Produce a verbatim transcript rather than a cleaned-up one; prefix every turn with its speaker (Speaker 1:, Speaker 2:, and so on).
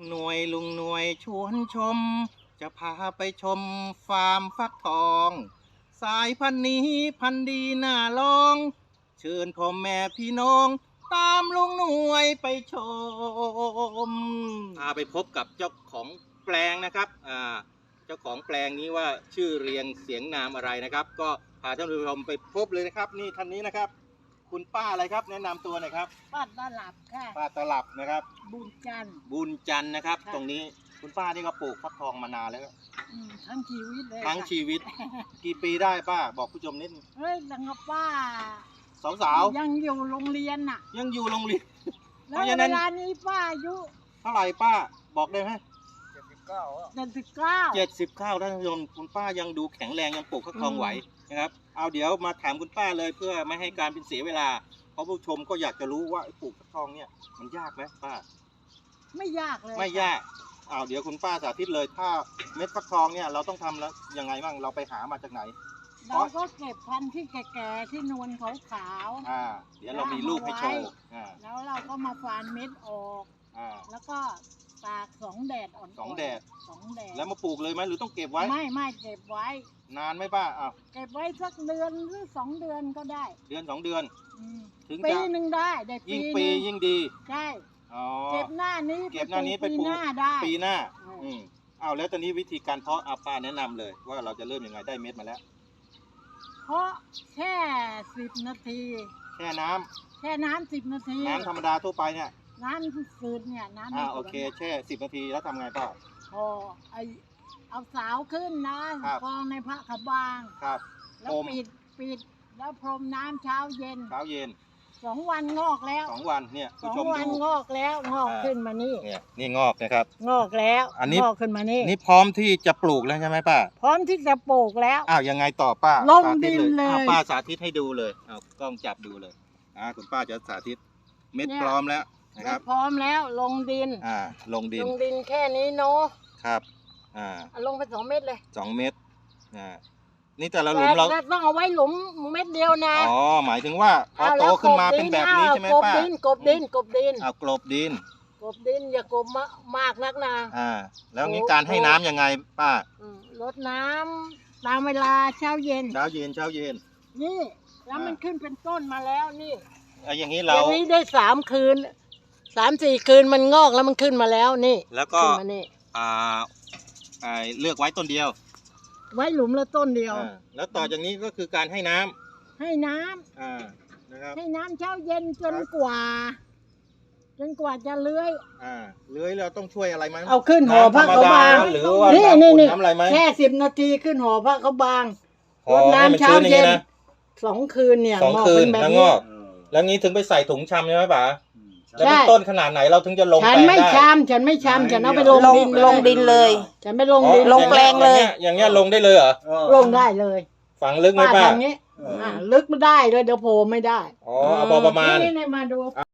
Speaker 1: หน่วยลุงหน่วยชวนชมจะพาไปชมฟาร์มฟักทองสายพันธุ์นี้พันธุ์ดีน่าลองเชิญพ่อแม่พี่น้องตามลุงหน่วยไปชมพาไปพบกับเจ้าของแปลงนะครับอ่าเจ้าของแปลงนี้ว่าชื่อเรียงเสียงนามอะไรนะครับก็พาท่านผู้ชมไปพบเลยนะครับนี่ท่านนี้นะครับคุณป้าอะไรครับแนะนำตัวหน่อยครับ
Speaker 2: ป้าตลับค่ะ
Speaker 1: ป้าตลับนะครับ
Speaker 2: บุญจันทร์
Speaker 1: บุญจันทร์นะครับตรงนี้คุณป้านี่ก็ปลูกฟักทองมานานแล้ว
Speaker 2: ทั้งชีวิตเลย
Speaker 1: ทั้งชีวิตกี่ปีได้ป้าบอกผู้ชมนิด
Speaker 2: เฮ้ยดังกับป้า
Speaker 1: สาวสาว
Speaker 2: ยังอยู่โรงเรียนน่ะ
Speaker 1: ยังอยู่โรงเรียน
Speaker 2: แล้วเวลานี้ป้าอายุ
Speaker 1: เท่าไหร่ป้าบอกได้ไหม
Speaker 2: เจ็ดสิบเก้าเจ็ดสิบเก้า
Speaker 1: เจ็ดสิบเก้าท่านผู้ชมคุณป้ายังดูแข็งแรงยังปลูกฟักทองไหวนะครับเอาเดี๋ยวมาถามคุณป้าเลยเพื่อไม่ให้การเป็นเสียเวลาเพราะผู้ชมก็อยากจะรู้ว่าปลูกฟักทองเนี่ยมันยากไหมป้า
Speaker 2: ไม่ยากเลย
Speaker 1: ไม่ยากเอาเดี๋ยวคุณป้าสาธิตเลยถ้าเม็ดฟักทองเนี่ยเราต้องทำแล้วยังไงบ้างเราไปหามาจากไหน
Speaker 2: เราก็เก็บพันธุ์ที่แก่ๆที่นวลขาว
Speaker 1: ๆอ่าเดี๋ยวเรามีรูปให้โชว์อ่า
Speaker 2: แล้วเราก็มาฝานเม็ดออกอ่าแล้วก็ตากสองแดดอ่อน
Speaker 1: สองแดด
Speaker 2: สองแดด
Speaker 1: แล้วมาปลูกเลยไหมหรือต้องเก็บไว้
Speaker 2: ไม่ไม่เก็บไว้
Speaker 1: นานไหมป้าอ้าว
Speaker 2: เก็บไว้สักเดือนหรือสองเดือนก็ได้
Speaker 1: เดือนสองเดือน
Speaker 2: ถึงปีหนึ่งได้ได้
Speaker 1: ยิ่งปียิ่งดี
Speaker 2: ใช่เก็บหน้านี้
Speaker 1: เก็บหน้านี้ไปปลูกปีหน้าอืมเอาแล้วตอนนี้วิธีการเพาะอาป้าแนะนำเลยว่าเราจะเริ่มยังไงได้เม็ดมาแล้ว
Speaker 2: เพาะแค่สิบนาที
Speaker 1: แช่น้ำ
Speaker 2: แช่น้ำสิบนาที
Speaker 1: น้ำธรรมดาทั่วไปเนี่ย
Speaker 2: น้ำฝืดเนี่ยน้ำ
Speaker 1: อ่าโอเคแช่สิบนาทีแล้วทำไงป้า
Speaker 2: พอไอเอาสาวขึ้นนะกองในพระขบาง
Speaker 1: ครับ
Speaker 2: แล้วปิดปิดแล้วพรมน้ำเช้าเย็น
Speaker 1: เช้าเย็น
Speaker 2: สองวันงอกแล้ว
Speaker 1: สองวันเนี่ย
Speaker 2: สองวันงอกแล้วงอกขึ้นมานี่
Speaker 1: เนี่ยนี่งอกนะครับ
Speaker 2: งอกแล้วอันนี้งอกขึ้นมานี่
Speaker 1: นี่พร้อมที่จะปลูกแล้วใช่ไหมป้า
Speaker 2: พร้อมที่จะปลูกแล้ว
Speaker 1: อ้าวยังไงต่อป้า
Speaker 2: ลงดินเลย
Speaker 1: ป้าสาธิตให้ดูเลยเอากล้องจับดูเลยอ่าคุณป้าจะสาธิตเม็ดพร้อมแล้วนะครับ
Speaker 2: พร้อมแล้วลงดิน
Speaker 1: อ่าลงดิน
Speaker 2: ลงดินแค่นี้เนาะ
Speaker 1: ครับอ่า
Speaker 2: ลงไปสองเม็ดเลย
Speaker 1: สองเม็ดอ่านี่แต่ละหลุมเรา
Speaker 2: ต้องเอาไว้หลุมเม็ดเดียวนะ
Speaker 1: อ๋อหมายถึงว่าพอโตขึ้นมาเป็นแบบนี้ใช่ไหมป้าก
Speaker 2: บดินกบดินกบดิน
Speaker 1: เอากลบดิน
Speaker 2: กบดินอย่ากบมากนักนะ
Speaker 1: อ่าแล้วงี้การให้น้ำยังไงป้าร
Speaker 2: ดน้ำตามเวลาเช้าเย็น
Speaker 1: เช้าเย็นเช้าเย็น
Speaker 2: นี่แล้วมันขึ้นเป็นต้นมาแล้วนี่
Speaker 1: อย่างนี้เรา
Speaker 2: อย่างนี้ได้สามคืนสามสี่คืนมันงอกแล้วมันขึ้นมาแล้วนี่
Speaker 1: แล้วก็อ่าเลือกไว้ต้นเดียว
Speaker 2: ไว้หลุมละต้นเดียว
Speaker 1: แล้วต่อจากนี้ก็คือการให้น้
Speaker 2: ำให้น้ำ
Speaker 1: อ่านะครับ
Speaker 2: ให้น้ำเช้าเย็นจนกว่าจนกว่าจะเลื้อย
Speaker 1: อ่าเลื้อยเราต้องช่วยอะไรไหม
Speaker 2: เอาขึ้นห่อผ้าเขาบาง
Speaker 1: หรือว่านี่นี่นี่
Speaker 2: แค่สิบนาทีขึ้นห่อผ้าเขาบางรดน้ำเช้าเย็นสองคืนเนี่ย
Speaker 1: สองคืนแล้วงอกแล้วงี้ถึงไปใส่ถุงชำใช่ไหมป๋าแล้วเป็นต้นขนาดไหนเราถึงจะลงแปลงได้
Speaker 2: ฉันไม่ชำฉันไม่ชำฉันเอาไปลงดิน
Speaker 3: ลงดินเลย
Speaker 2: ฉันไม่ลงดิน
Speaker 3: ลงแปลงเลย
Speaker 1: อย่างเงี้ยลงได้เลยเหรอ
Speaker 2: ลงได้เลย
Speaker 1: ฝังลึกไหมป้า
Speaker 2: อย่างนี้ลึกไม่ได้เลยเดี๋ยวโผล่ไม่ได้
Speaker 1: อ๋อพอประมาณ
Speaker 2: นี่มาดู